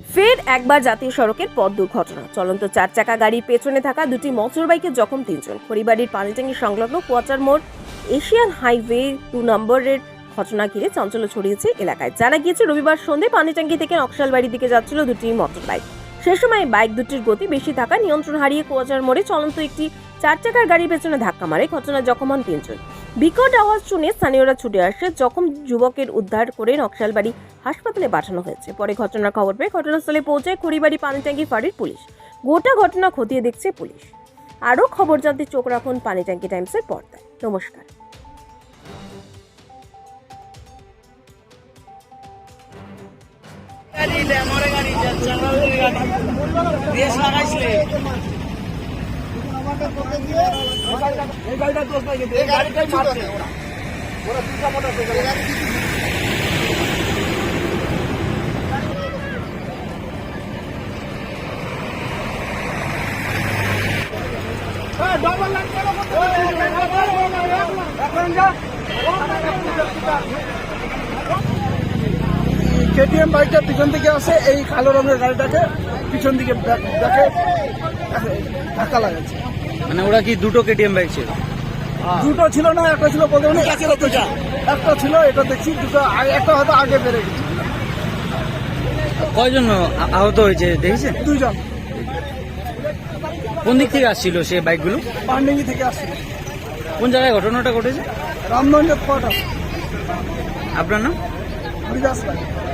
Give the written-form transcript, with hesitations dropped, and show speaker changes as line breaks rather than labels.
ফের একবার জাতীয় সড়কের পথ দুর্ঘটনা। চলন্ত 4 চাকা গাড়ির পেছনে থাকা দুটি মোটর বাইকে জখম 3 জন। খড়িবাড়ির পানিটাঙ্গি সংলগ্ন কোয়ার্টার মোড় এশিয়ান হাইওয়ে 2 নম্বরের ঘটনা ঘিরে চাঞ্চল্য ছড়িয়েছে এলাকায়। জানা গিয়েছে, রবিবার সন্ধ্যে পানিটাঙ্গি থেকে নকশালবাড়ির দিকে যাচ্ছিল দুটি মোটর বাইক। সে সময় বাইক দুটির গতি বেশি থাকায় নিয়ন্ত্রণ হারিয়ে কোয়ার্টার মোড়ে চলন্ত একটি 4 চাকার গাড়ির পেছনে ধাক্কা মারে। ঘটনায় জখম হন 3 জন। বিকট আওয়াজ শুনে স্থানীয়রা ছুটে আসে। জখম যুবকের উদ্ধার করে নকশালবাড়ি হাসপাতালে পাঠানো হয়েছে। পরে ঘটনার খবর পেয়ে ঘটনাস্থলে পৌঁছায় খড়িবাড়ি পানিটাঙ্গি ফাঁড়ির পুলিশ। গোটা ঘটনা খতিয়ে দেখছে পুলিশ। আরও খবর জানতে চোখ রাখুন পানিটাঙ্গি টাইমসের পর্দায়। নমস্কার।
কেটিএম বাইকটা পিছন থেকে আসে, এই কালো রঙের গাড়িটাকে পিছন দিকে দেখে ধাক্কা লাগাচ্ছে।
মানে ওরা কি দুটো কেটিএম বাইক ছিল?
দুটো ছিল না, একটা ছিল বলতে পারি, একটা ছিল, এটা দেখছি দুটো, একটা হয়তো আগে বেড়ে গেছে।
কয়জন আহত হয়েছে দেখেছেন?
2 জন।
কোন দিক থেকে আসছিল সে বাইকগুলো?
পান্ডিঙ্গি থেকে আসছিল।
কোন জায়গায় ঘটনাটা ঘটেছে?
রামগঞ্জের কোয়ার্টার।
আপনার নাম?
বিকাশ রায়।